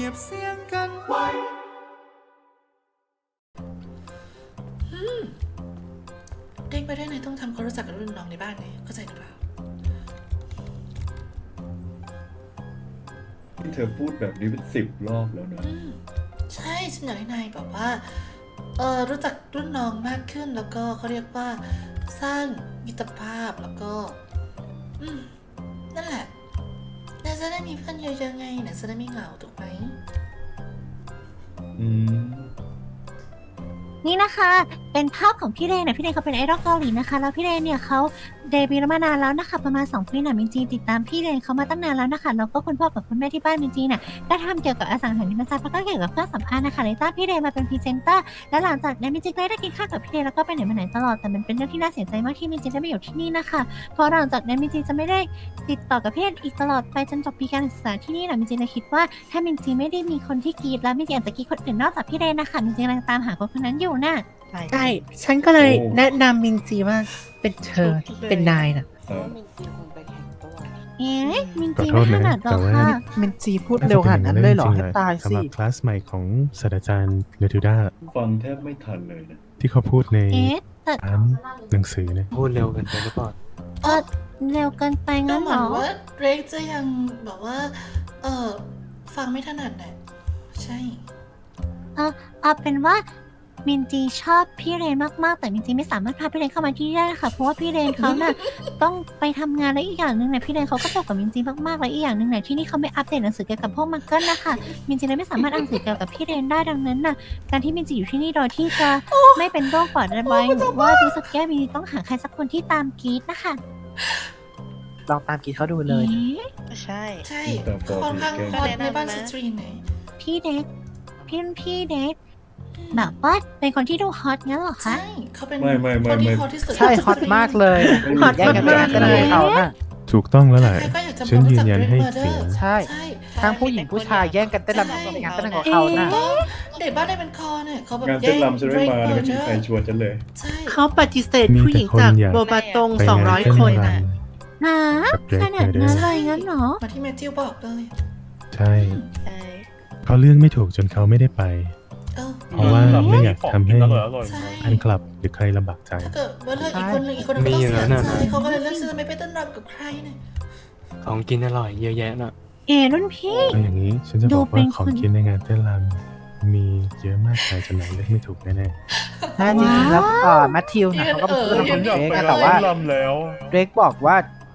บเสียงกันไว้เด้งไปได้ไหนต้องทำความรู้จักกับรุ่นน้องในบ้านไงเข้าใจหรือเปล่าที่เธอพูดแบบนี้เป็น10 รอบแล้วนะใช่ฉันอยากให้นายแบบว่ารู้จักรุ่นน้องมากขึ้นแล้วก็เขาเรียกว่าสร้างมิตรภาพแล้วก็นั่นแหละนายจะได้มีเพื่อนเยอะๆไงนายจะได้ไม่เหงาถูกไหมนี่นะคะเป็นภาพของพี่เรนนะพี่เรนเขาเป็นไอดอลเกาหลีนะคะแล้วพี่เรนเนี่ยเขาเดบิวต์มานานแล้วนะคะประมาณ2 ปีนะมินจีติดตามพี่เรนเขามาตั้งนานแล้วนะคะแล้วก็คุณพ่อกับคุณแม่ที่บ้านมินจีเนี่ยก็ทำเกี่ยวกับอสังหาริมทรัพย์แล้วก็เกี่ยวกับเครื่องสำอางนะคะเลยตั้งพี่เรนมาเป็นพรีเซนเตอร์และหลังจากนั้นมินจีได้กินข้าวกับพี่เรนแล้วก็ไปไหนมาไหนตลอดแต่มันเป็นเรื่องที่น่าเสียใจมากที่มินจีได้ไม่อยู่ที่นี่นะคะเพราะหลังจากนั้นมินจีจะไม่ได้ติดต่อกับพี่เรนอีกตลอดไปจนจบปีการศึกษาที่นี่นะมินจีเลยคิดว่าถ้ามินจีไม่ได้มีคนที่กรีดแล้วมินจีอาจจะกรีดคนอื่นนอกจากพี่เรนนะคะมินจีกำลังตามหาคนนั้นอยู่น่ะใช่ ฉันก็เลยแนะนำมินจีว่าเป็นเธอเป็นนายน่ะเอ๊ะมินขอจีโทไม่ษถนะนัดหรแต่อกว่าค่ะมินจีพูดเร็วขนาดนั้นเลยเหรอให้ตายสิสำหรับคลาสใหม่ของศาสตราจารย์เนทูด้าฟังแทบไม่ทันเลยนะที่เขาพูดในเอ๊ะแต่ร้านหนังสือเนี่ยพูดเร็วกันไปหรือเปล่าเร็วเกินไปก็งั้นเหเหมืรอนอว่าเรกจะยังแบบว่าฟังไม่ถนัดน่ะใช่เอาเป็นว่ามินจีชอบพี่เรนมากๆแต่มินจีไม่สามารถพาพี่เรนเข้ามาที่นี่ได้ค่ะเพราะว่าพี่เรนเขาน่ะ ต้องไปทำงานและอีกอย่างหนึ่งเนี่ยพี่เรนเขาก็ตกกับมินจีมากๆและอีกอย่างหนึ่งเนี่ยที่นี่เขาไม่อัปเดตหนังสือเกี่ยวกับพวกมังเกิลนะคะมินจีเลยไม่สามารถอ่านหนังสือเกี่ยวกับพี่เรนได้ดังนั้นน่ะการที่มินจีอยู่ที่นี่โดยที่จะไม่เป็นโรคปอดระบายหรือว่ารู้สึกแย่มินจีต้องหาใครสักคนที่ตามกรีดนะคะลองตามกีเขาดูเลยเอ๊ะใช่ใช่แต่พอค่อนข้างที่แกฮอตในบ้านสตรีนไหนพี่เด็กพี่เด็กแบบว่าเป็นคนที่ดูฮอตงั้นเหรอคะใช่เขาเป็นไม่คนที่ฮอตที่สุดใช่ฮอตมากเลยฮอตมากเลยเขาน่ะถูกต้องแล้วแหละใครๆก็อยากจะฉันยืนยันให้รู้จักเสียง Red Murder ใช่ใช่ทั้งผู้หญิงผู้ชายแย่งกันเต้นรำกับงานเต้นรำของเขาน่ะเด็กบ้านในเป็นคอเนี่ยเขาแบบงานเต้นรำฉันไม่มาเลยไม่มีใครชวนฉันเลยใช่เขาปฏิเสธมีผู้หแต่ญิงคนจากอยากโบบาตงไปงานเต้น 200 คนรน่ะฮะกับเดรขกนาดเมอร์เดอนั้นร์เลยงั้นเหรอมาที่แมทธิวบอกเลยใช่ใช่เขาเลือกไม่ถูกจนเขาไม่ได้ไปเออเพราะว่าไม่อยากทำให้ใช่แฟนคลับหรือใครลำบากใจถ้าเกิดว่าเลือกอีกคนหนึ่งอีกคนหนึงก็ต้องเสียใจเขาก็เลยเลือกที่จะไม่ไปเต้นรำกับใครเนี่ยของกินอร่อยเยอะแยะน่ะรุ่นพี่ก็อย่างนี้ฉันจะดูบอกเป็ว่าน ของคนกินในงานเต้นรำมีเยอะมากมายจนไหนเลือกไม่ถูกแน่น่าจริงๆแล้วแมทธิวน่ะเขาก็เป็นเพื่อนของเดรกนะแต่ว่าเดรกบอกว่าน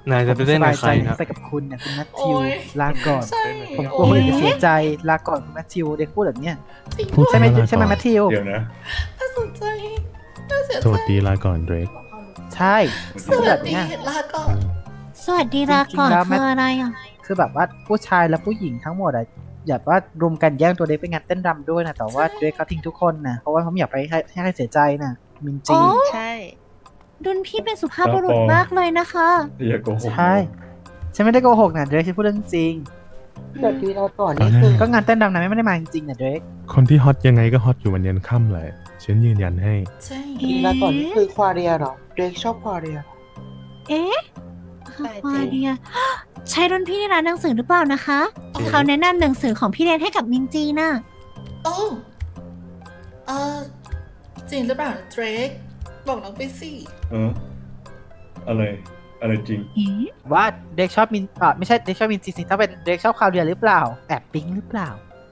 ายจะไปเล่นกับใครผมสบายใจนะไปกับคุณเนี่ยคุณแมทโอ้ธิวย ลาก่อนใช่ผมกลัวคนอื่นจะเสียใจลาก่อนคุณแมทธิวเด็กพูดแบบเนี้ยจริงพูดใช่ไหมลาก่อนใช่ไหมแมทธิวเดี๋ยวนะน่าสนใจน่าเสียๆใจโทษดีลาก่อนเดรกใช่สพูดวัแบสบดีเนี้ยลาก่อนสวัสดีลาก่อนจริงๆแล้วคืออะไรอ่ะคือแบบว่าผู้ชายและผู้หญิงทั้งหมดอะอยากว่ารุมกันแย่งตัวเด็กไปงานเต้นรำด้วยนะแต่ว่าเด็กเขาทิ้งทุกคนนะเพราะว่าเขาไม่อยากไปให้ใครเสียใจนะมินจีอ๋อใช่รุ่นพี่เป็นสุภาพบุรุษมากเลยนะคะอย่าโกหกใช่ฉันไม่ได้โกหกนะเดรกฉันพูดเรื่องจริงแต่ทีเราก่อนตอนนี่แรคือกก็งานเต้นรำนะไม่ได้มาจริงๆนะเดรกคนที่ฮอตยังไงก็ฮอตอยู่วันยันค่ำแหละฉันยืนยันให้ใช่ทีเราก่อนนี่คือควาเรียเหรอเดรกชอบควาเรียเอ๊ะควาเดียใช่รุ่นพี่ในร้านหนังสือหรือเปล่านะคะเขาแนะนำหนังสือของพี่เรนให้กับมินจีน่ะโอ้เออจริงหรือเปล่าเดรกบอกน้องไปสิอะไรจริงเอ๊ะว่าเดรกชอบมินไม่ใช่เดรกชอบมินจีสิถ้าเป็นเดรกชอบคาวเดียหรือเปล่าแอบปิ๊งหรือเปล่า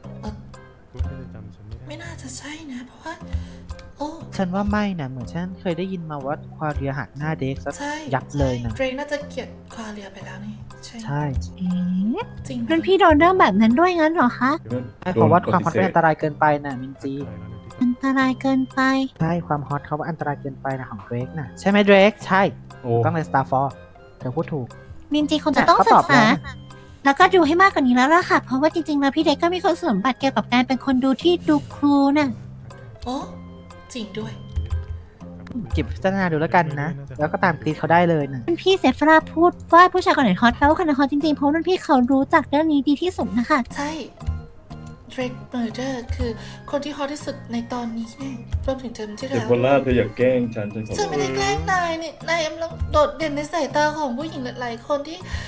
ไม่น่าจะใช่นะ เพราะว่า โอ้ฉันว่าไม่นะเหมือนฉันเคยได้ยินมาว่าควาเดียหักหน้าเดรกซะใช่ยับเลยนะเดรกน่าจะเกลียดควาเรียไปแล้วนี่ใช่ใช่เอ๊ะจริงไหมรุ่นพี่โดนเรื่องแบบนั้นด้วยงั้นเหรอคะใช่เพราะว่าความฮอตเป็นอันตรายเกินไปนะมินจีอันตรายเกินไปใช่ความฮอตเขาว่าอันตรายเกินไปนะของเดรกนะใช่ไหมเดรกใช่โอ้ต้องใน Star f o r เธอพูดถูกมินจีคงจะต้องเขาศึตอก บษาแล้วแล้วก็ดูให้มากกว่านี้แล้วล่ะค่ะ เพราะว่าจริงๆแล้วพี่เด็กก็มีคุณสมบัติเกี่ยวกับการเป็นคนดูที่ดูครูน่ะโอ้จริงด้วยเก็บพิจารณาดูแล้วกันนะ แล้วก็ตามกรีดเขาได้เลยนะรุ่นพี่เซฟราพูดว่าผู้ชายคนไหนฮอตแปลว่าคนนั้นฮอตจริงๆ เพราะรุ่นพี่เขารู้จักเรื่องนี้ดีที่สุดนะคะใช่เดรกเมอร์เดอร์คือคนที่ฮอตที่สุดในตอนนี้เนี่ยรวมถึงเทอมที่เด็กแล้วคนล่าเธออย่าแกล้งฉันขอฉันไม่ได้แกล้งนายเนี่ยนายกำลังโดดเด่นในสายตาของผู้หญิงหลายๆคนที่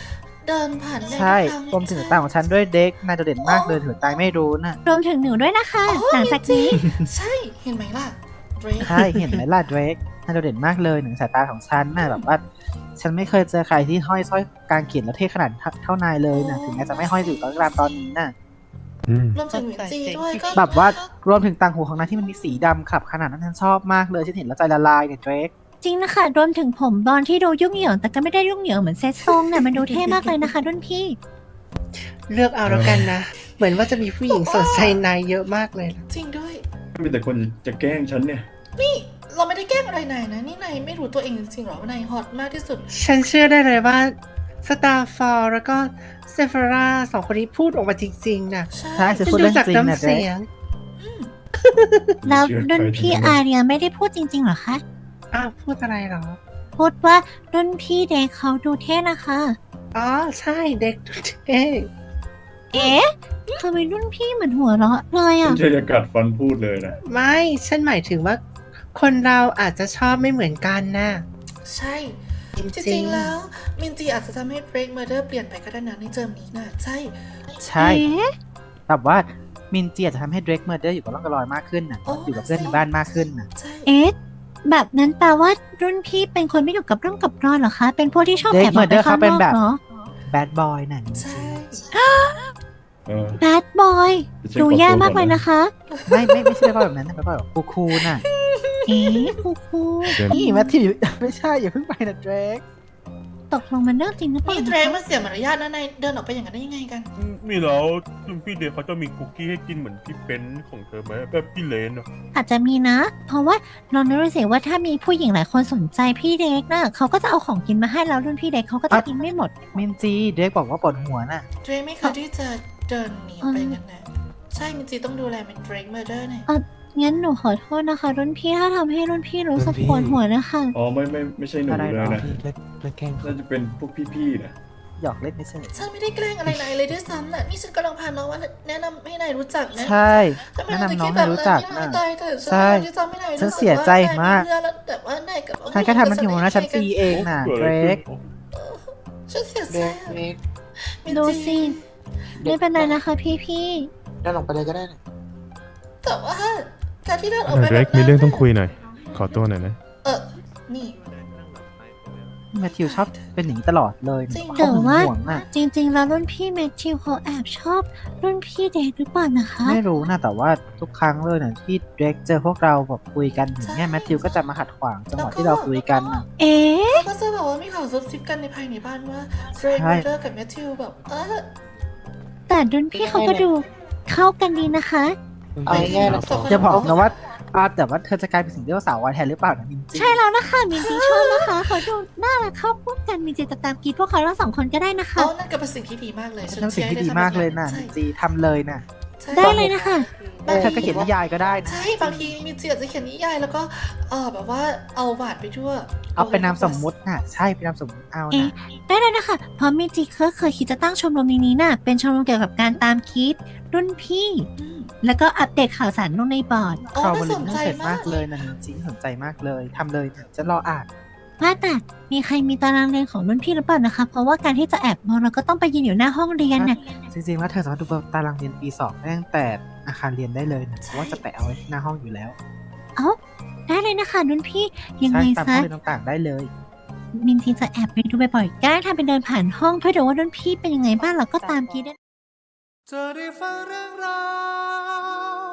เดินผ่านในใช่ทุกครวมถึงต่างของฉันด้วยเด็กนายโดดเด่นมากเลยถือตายไม่รู้น่ะรวมถึงหนูด้วยนะคะ หลังจากนี้ใช่เห็นไหมล่ะเดรกใช่เห็นไหมล่ะเดรกนายโดดเด่นมากเลยหนึ่งสายตาของฉันน่ะแบบว่าฉันไม่เคยเจอใครที่ห้อยสร้อยกางเขนแล้วเท่ขนาดเท่านายเลยนะถึงแม้จะไม่ห้อยอยู่ตอนนี้น่ะอืมรวมถึงหมิวจีด้วยก็แบบว่ารวมถึงต่างหูของนายที่มันมีสีดำขับขนาดนั้นฉันชอบมากเลยฉันเห็นแล้วใจละลายเนี่ยเดรกจริงนะคะ รวมถึงผมบอลที่ดูยุ่งเหยิงแต่ก็ไม่ได้ยุ่งเหยิงเหมือนเซตทรงเนี่ยมันดูเท่มากเลยนะคะรุ่นพี่เลือกเอาแล้วกันนะ เหมือนว่าจะมีผู้หญิงสนใจนายเยอะมากเลยนะจริงด้วยมีแต่คนจะแกล้งฉันเนี่ยนี่เราไม่ได้แกล้งอะไรนายนะนี่นายไม่รู้ตัวเองจริงๆหรอว่านายฮอตมากที่สุดฉันเชื่อได้เลยว่าสตาร์ฟอร์แล้วก็เซฟาร่าสองคนนี้พูดออกมาจริงๆนะใช่ใช่ฉันฉันพูดดูเรื่องจากจริงนะน้ำเดรเสีกยงแล้วเชื่อใครรุ่นพี่ทั้งนั้นอาเรียไม่ได้พูดจริงๆเหรอคะอ้าวพูดอะไรเหรอพูดว่ารุ่นพี่เด็กเขาดูเท่นะคะอ๋อใช่เด็กเท่เอ๊ะทำไมรุ่นพี่เหมือนหัวเราะเลยอ่ะไม่ใช่จะกัดฟันพูดเลยนะไม่ฉันหมายถึงว่า คนเราอาจจะชอบไม่เหมือนกันนะใช่จจริริงงๆๆแล้วมินจีอาจจะทำให้ Break Murder เปลี่ยนไปก็ได้นะในเทอมนี้นะใช่ใช่เอ๊ะแบบว่ามินเจียจะทำให้เดรกเมอร์เดอร์อยู่กับร่องกับรอยมากขึ้นน่ะโอ้อยู่กับเพื่อนในบ้านมากขึ้นน่ะใช่เอ๊ะแบบนั้นแปลว่ารุ่นพี่เป็นคนไม่อยู่กับเรื่องกับรอยเหรอคะ เป็นพวกที่ชอบแอบออกไปข้างนอกเหรอแบดบอยน่ะมินใช่จีเออแบดบอยจะเช็คดูขอแย่ตัวมากก่เลอนยนะนะคะไม่ใช่แบดบอยแบบนั้นนะแบดบอยแบบคูลๆน่ะเอ๊ะครูนี่แมทธิวไม่ใช่อย่าเพิ่งไปนะเดรกตกลงมันเรื่องจริงหรือเปล่านี่เดรกมันเสียมารยาทนะนายเดินออกไปอย่างนั้นได้ยังไงกันมีแล้วรุ่นพี่เดย์เขาจะมีคุกกี้ให้กินเหมือนพี่เป็นของเธอไหมแบบพี่เลนอะอาจจะมีนะ เพราะว่าลองนึกดูสิว่าถ้ามีผู้หญิงหลายคนสนใจพี่เด็กนะเขาก็จะเอาของกินมาให้แล้วรุ่นพี่เด็กเขาก็จะกินไม่หมดมินจีเดรกบอกว่าปวดหัวน่ะเดรกไม่เคยที่จะเดินหนีไปกันนะใช่มินจีต้องดูแลเป็น Break Murder เนี่ยงั้นหนูขอโทษนะคะ รุ่นพี่ถ้าทำให้รุ่นพี่รู้สึกปวดหัวนะคะอ๋อไม่ใช่หนูอะไรเลหรอยนะเลิกแกล้งเขาน่าจะเป็นพวกพี่ๆนะหยอกเล่นไม่ใช่ฉันไม่ได้แกล้งอะไรนายเลยด้วยซ้ำน่ะนี่ฉันกำลังพาน้องว่าแนะนำให้นายรู้จักนะใช่ทำไมแนะเราจะนำน้อคิงดให้แบบรู้นั้นจักที่น่ะตายเถอะใช่ที่ทำให้นายฉันรู้สึกเสียใจมากว่นยเพื่อนแล้วแต่ว่านายกับฉันแค่ทำมันอยู่นะฉันฟรีเองน่ะเกิดเดอะรไรกขึ้นฉันเสียใจเด็กอะเด็กมินดูจีสิไม่เป็นไรนะคะพี่เดินออกไปเลยก็ได้นะแต่ว่าการที่เดินออกเอไปอเดรกมีเรื่องต้องคุยหน่อย ขอตัวหน่อยนะนี่แมทธิวชอบเป็นอย่างนี้ตลอดเลยจริงแต่ว่าห่วงน่ะจริง ๆ แล้วรุ่นพี่แมทธิวเขาแอบชอบรุ่นพี่เด็กหรือเปล่านะคะไม่รู้นะแต่ว่าทุกครั้งเลยนะที่เดรกเจอพวกเราแบบคุยกันอย่างเงี้ยแมทธิวก็จะมาขัดขวางจังหวะที่เราคุยกันน่ะเอ๊ะเขาก็จะแบบว่ามีข่าวซุบซิบกันในภายในบ้านว่าเรย์ใช่เมเดอร์กับแมทธิวแบบแต่รุ่นพี่เขาก็ดูเข้ากันดีนะคะเอาง่ายๆนะอย่าบอกนะว่าแต่ว่าเธอจะกลายเป็นสิ่งที่ว่าสาววายแทนหรือเปล่านะมินจีใช่แล้วนะคะมินจีชอบนะคะเขาดูน่ารักเข้าพวกกันมินจีจะตามกรีดพวกเขาทั้งสองคนก็ได้นะคะเอานั่นก็เป็นสิ่งที่ดีมากเลยฉันทำสิ่งที่ดีมากเลยนะใช่มินจีทำเลยนะใช่ได้เลยนะคะเธอก็เขียนนิยายก็ได้นะใช่บางทีมีเจียจะเขียนนิยายแล้วก็แบบว่าเอาหวาดไปทั่วเอาเป็นนามสมมุติน่ะใช่เป็นนามสมมุติเอาเอ๊ะนะได้เลยนะคะ เพราะมินจีเคยคิดจะตั้งชมรมนี้น่ะ เป็นชมรมเกี่ยวกับการตามคิดรุ่นพี่อืมแล้วก็อัปเดตข่าวสารลงในบอร์ดอ๋อข่าวน่าบสรินษัทใจเสร็จมามาก กเลยนะมินจีสนใจมากเลยทำเลยจะรออ่านว่าแต่มีใครมีตารางเรียนของรุ่นพี่หรือเปล่านะคะ เพราะว่าการที่จะแอบมองเราก็ต้องไปยืนอยู่หน้าห้องเรียนน่ะจริงๆว่าเธอสามารถดูตารางเรียนปี2ได้ตั้งแต่อาคารเรียนได้เลยนะเพราะว่าจะแปะเอาไว้ที่หน้าห้องอยู่แล้วได้เลยนะคะรุ่นพี่ยังใช่ไงตามห้ซะองเรียนต่างๆได้เลยมินทีจะแอบไปดูบ่อยๆก็ได้ทำเป็นเดินผ่านห้องเพื่อดูว่ารุ่นพี่เป็นยังไงบ้างเราก็ตามกรีดได้จะได้ฟังเรื่องราว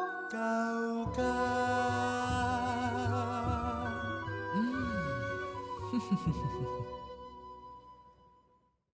เก่าๆ